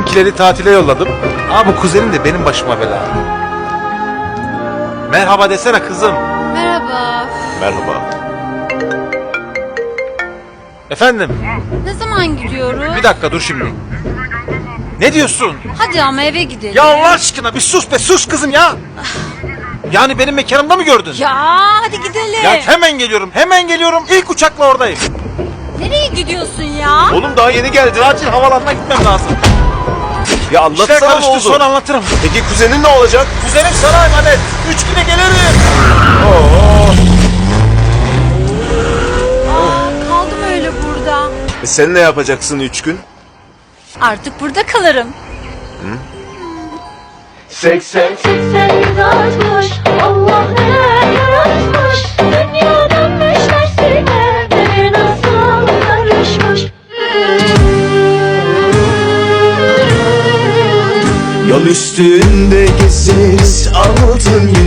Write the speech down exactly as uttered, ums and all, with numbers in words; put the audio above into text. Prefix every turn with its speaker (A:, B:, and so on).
A: Bizimkileri tatile yolladım. Ama bu kuzenim de benim başıma bela. Merhaba desene kızım.
B: Merhaba.
A: Merhaba. Efendim?
B: Ne zaman gidiyoruz?
A: Bir dakika dur şimdi. Ne diyorsun?
B: Hadi ama eve gidelim.
A: Ya Allah aşkına bir sus be, sus kızım ya. Yani benim mekanımda mı gördün?
B: Ya hadi gidelim.
A: Ya hemen geliyorum, hemen geliyorum. İlk uçakla oradayım.
B: Nereye gidiyorsun ya?
A: Oğlum daha yeni geldi. Acil havalanına gitmem lazım.
C: Ya
A: İşler
C: anlatsana ne
A: karıştı,
C: oldu?
A: sonra anlatırım.
C: Peki kuzenin ne olacak?
A: Kuzenim sana emanet. Üç güne gelirim.
C: Oo.
B: Aa, kaldım öyle burada.
C: E sen ne yapacaksın üç gün?
B: Artık burada kalırım.
C: Seksen.
D: Seksen yaratmış, Allah neler yaratmış. Dünya dönmüş tersine, devir nasıl karışmış.
C: Yol üstünde gezeriz altın